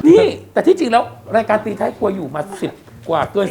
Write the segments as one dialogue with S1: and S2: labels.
S1: นี่แต่ที่จริงแล้วรายการตีท้ายครัวอยู่มา10 กว่าเกิน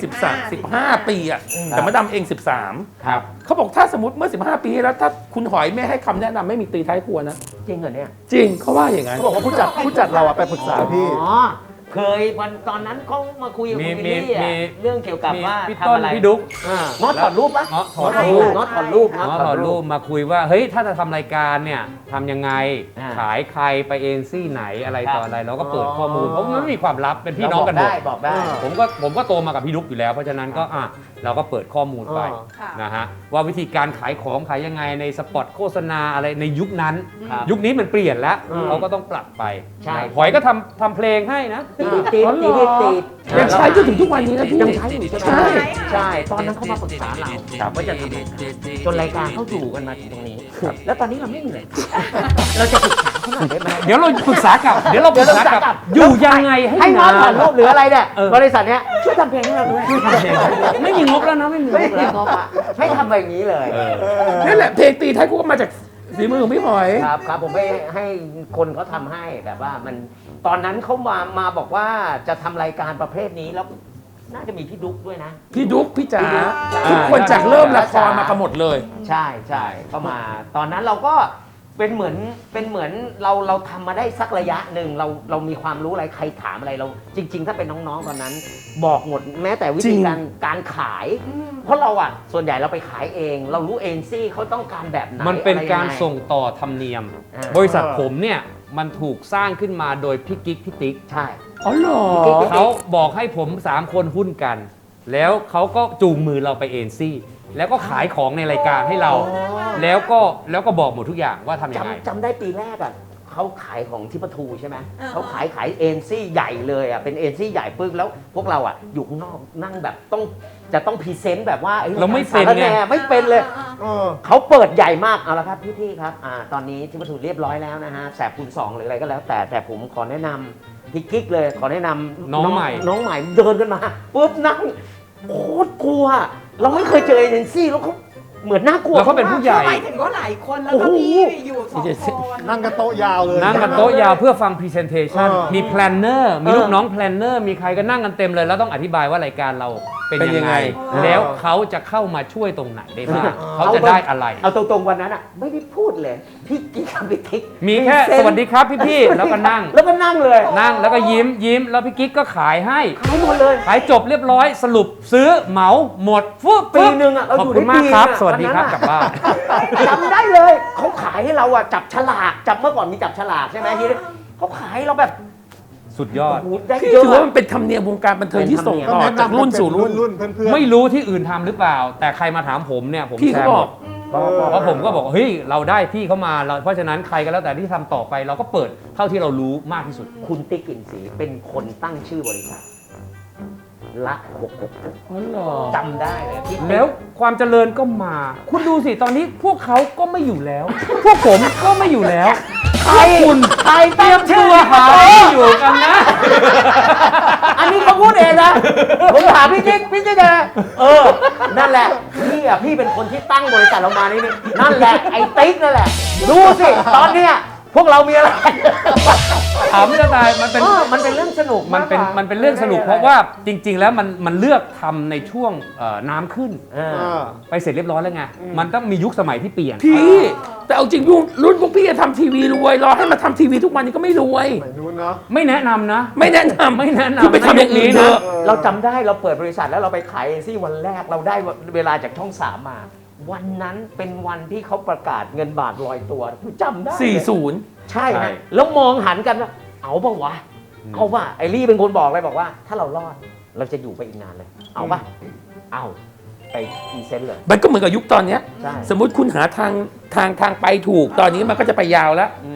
S1: 15 ปีอะแต่มาดามเอง13
S2: ครับ
S1: เขาบอกถ้าสมมติเมื่อ15 ปีแล้วถ้าคุณหอยไม่ให้คำแนะนำไม่มีตีท้ายครัวนะ
S2: จริงเหรอเนี่ย
S1: จริงเขาว่าอย่างนั้น
S3: เขาบอกว่าผู้จัดเราอะไปปรึกษาพี่
S2: อ๋อเคยวันตอนนั้นเขามาคุยกับคุณวิลลี่
S4: มี
S2: เรื่องเกี่ยวกับว่า
S4: พี่
S2: ทำ
S4: ต้น
S2: อะไร
S4: พี่ดุ๊ก
S2: ง้อถอดรูปปะ
S4: ง้อถอดรูป
S2: ง้อถอดรูป
S4: ง้อถอดรูปมาคุยว่าเฮ้ยถ้าจะทำรายการเนี่ยทำยังไง
S2: อ่า
S4: ขายใครไปเอ็นซี่ไหนอะไร
S2: ครับ
S4: ต่ออะไรเราก็เปิดข้อมูลเพราะมันไม่มีความลับเป็นพี่น้องกันหมด
S2: บอกได้
S4: ผมก็โตมากับพี่ดุ๊กอยู่แล้ว เพราะฉะนั้นก็เราก็เปิดข้อมูลไป
S5: ค่ะ
S4: นะฮะว่าวิธีการขายของขายยังไงในสปอตโฆษณาอะไรในยุคนั้น
S2: ครับ
S4: ยุคนี้มันเปลี่ยนแล้ว
S2: อืม
S4: เขาก็ต้องปรับไป
S2: ใช่
S4: หอยก็ทำเพลงให้นะ
S2: ตี
S1: อ๋อเหรอ
S2: ตี
S1: ยังใช้จนถึงทุกวันนี้นะพี่
S2: ยังใช้อยู่ใช่ไหม
S1: ใช่
S2: ใช่ ตอนนั้นเขามาปรึกษาเราว่าจะทำรายการจนรายการเขาอยู่กันมาถึงตรงนี้ แล้วตอนนี้เราไม่มีเลยเราจะปรึกษาเขาหน่อยได้ไหม
S4: เดี๋ยวเราปรึกษากลับอยู่ยังไง
S2: ให้ง้อถอดรูปหรืออะไรเนี่ย
S4: เออ
S2: บริษัทเนี้ยช่วยทำเพลงให้เราด้วย
S4: ไม่มีงบแล้วนะไม่มีง
S2: ไม่
S4: บ
S2: มี
S4: แล้ว
S2: งบอะให้ทำแบบนี้เลย
S1: นั่นแหละเพลงตีท้ายครัวก็มาจากฝีมือของพี่หอย
S2: ครับผมให้คนเขาทำให้แบบว่ามันตอนนั้นเขามาบอกว่าจะทำรายการประเภทนี้แล้วน่าจะมีพี่ดุ๊กด้วยนะ
S1: พี่ดุ๊กพี่จ๋า
S2: พี่ดุ๊ก
S1: ทุกคนจากเริ่มละครมากันหมดเลย
S2: ใช่ก็มา ตอนนั้นเราก็เป็นเหมือนเราทำมาได้สักระยะหนึ่งเรามีความรู้อะไรใครถามอะไรเราจริง ๆ ถ้าเป็นน้องๆตอนนั้น บอกหมดแม้แต่วิ
S1: จริ
S2: ธี
S1: ง
S2: การขาย เพราะเราอ่ะส่วนใหญ่เราไปขายเอง เรารู้เองซี่เขาต้องการแบบไหน
S4: มันเป็น
S2: อะไร
S4: การ
S2: ยังไง
S4: ส่งต่อธรรมเนียม
S2: อ่า
S4: บริษัทผมเนี่ยมันถูกสร้างขึ้นมาโดยพี่กิ๊กพี่ติ๊ก
S2: ใช่
S1: อ๋อเหรอ
S4: เขาบอกให้ผม 3 คนหุ้นกัน แล้วเขาก็จูงมือเราไปเอ็นซี่แล้วก็ขายของในรายการให้เรา แล้วก็บอกหมดทุกอย่างว่าทำยังไง
S2: จำได้ปีแรกอ่ะเขาขายของที่ปทูใช่ไหม
S5: อ่า
S2: เขาขายเอ็นซี่ใหญ่เลยอ่ะเป็นเอ็นซี่ใหญ่ปึ๊กแล้วพวกเราอ่ะอยู่ข้างนอกนั่งแบบจะต้องพรีเซนต์แบบว่าอ้
S4: เราไม่เป็นไง
S2: สารแหไม่เป็นเลย เขาเปิดใหญ่มากเอาละครับพี่ๆครับตอนนี้ที่ปทูเรียบร้อยแล้วนะฮะแสบคูณ2หรืออะไรก็แล้วแต่ผมขอแนะนำพี่กิ๊กเลยขอแนะนำ
S4: น้องใหม่
S2: น้องใหม่เดินกันมาปุ๊บนั่งโคตรกลัว เราไม่เคยเจอเอ็นซี่แล้วเขาเหมือนน่ากลัว
S4: แล้วเขาเป็นผู้ใหญ่
S5: หมายถึงว่าหลายคนแล้วก็พี่อยู่2 คน
S3: นั่งกันโต๊ะยาวเลย
S4: นั่งกันโต๊ะยาวเพื่อฟังพรีเซนเทชัน
S3: เออ
S4: มีแพลนเนอร์มีลูกน้องแพลนเนอร์มีใครก็นั่งกันเต็มเลย แล้วต้องอธิบายว่ารายการเราเป็น
S1: เป็นยั
S4: ยัง
S1: ง
S4: ไง
S1: ไง
S4: แล้วเขาจะเข้ามาช่วยตรงไหนได้บ้างเขาจะได้อะไร
S2: เอาตรงๆวันนั้นอ่ะไม่ได้พูดเลยพี่กิ๊กกับพี่ติ๊ก
S4: มีแค่
S2: พรีเซนต์
S4: สวัสดีครับพี่ๆแล้วก็นั่ง
S2: แล้วก็นั่งเลย
S4: นั่งแล้วก็ยิ้มแล้วพี่กิ๊กก็ขายให้
S2: ขายหมดเลย
S4: ขายจบเรียบร้อยสรุปซื้อเหมาหมดฟุ๊บ
S2: ปีหนึ่งอะเรา
S4: ขอบ
S2: อยู่
S4: คุณ
S2: ได้
S4: มากครับ
S2: ปีอะ
S4: สวัสดีครับ
S2: วันนั้นอะ
S4: กลับบ้าน
S2: จำได้เลยเขาขายให้เราอ่ะจับฉลากจับเมื่อก่อนมีจับฉลากใช่ไหมทีนี้เขาขายเราแบบ
S4: สุดยอด
S2: โอ้โหได้
S1: พี่
S2: เยอะ
S1: ถือว่า
S2: อะ
S1: มันเป็นธรรมเนียมวงการบันเทิงที่ส่ง
S2: เป็นธรรมเนียม
S1: ต่อจากรุ่นสู่รุ่น
S3: รุ่นเพื่อนๆ
S4: ไม่รู้ที่อื่นทำหรือเปล่า แต่ใครมาถามผมเนี่ยผม
S1: พี่
S4: แช
S1: เขา
S4: ร์
S1: บ
S4: ห
S1: อ
S4: ม
S1: ก
S4: ดเพราะผมก็บอกเฮ้ยเราได้พี่เขามาเพราะฉะนั้นใครก็แล้วแต่ที่ทำต่อไปเราก็เปิดเท่าที่เรารู้มากที่สุด
S2: คุณติ๊กกลิ่นสีเป็นคนตั้งชื่อบริษัทละ666
S1: อ๋อเหรอ
S2: จำได้เลยพี่ติ๊ก
S4: แล้วความเจริญก็มา คุณดูสิตอนนี้พวกเขาก็ไม่อยู่แล้ว พวกผมก็ไม่อยู่แล้ว
S2: ใคร
S4: คุณ
S2: ใครเตรียมชื่อ
S4: ตัว
S2: มา
S4: หาที่อยู่กันนะ
S2: อันนี้เขาพูดเองนะผมถามพี่ติ๊กนะนั่นแหละพี่เป็นคนที่ตั้งบริษัทเรามานี่นั่นแหละไอ้ติ๊กนั่นแหละดูสิตอนเนี้ยพวกเรามีอะไร
S4: ถามจะตายมันเป็น
S2: มันเป็นเรื่องสนุก
S4: มันเป็นเรื่องสนุกเพราะว่าจริง ๆ แล้วมันเลือกทำในช่วงน้ำขึ้น ไปเสร็จเรียบร้อยแล้วไง มันต้องมียุคสมัยที่เปลี่ยน
S1: พี่แต่เอาจริงรุ่นพวกพี่จะทำทีวีรวยรอให้มาทำทีวีทุกวันนี้ก็ไม่รวย
S3: สมัยนู้นเนาะ
S4: ไม่แนะนำนะ
S1: ไม่แนะนำ
S4: ไม่แนะนำ
S1: คือไปทำอย่างอื่นเถอะ
S2: เราจำได้เราเปิดบริษัทแล้วเราไปขายเอซี่วันแรกเราได้เวลาจากช่อง 3 มา วันนั้นเป็นวันที่เขาประกาศเงินบาทลอยตัวจำได้เลย
S1: 40
S2: ใช่
S4: ใช่
S2: ฮะแล้วมองหันกันว่าเอาป่าวะเอาป่ะไอรี่เป็นคนบอกเลยบอกว่า ถ้าเรารอดเราจะอยู่ไปอีกนานเลย เอาป่ะเอาไปพรีเซนต์เลย
S1: มันก็เหมือนกับยุคตอนเนี้ย
S2: ใช่
S1: สมมุติคุณหาทางไปถูกตอนนี้มันก็จะไปยาวแล้ว
S2: อืม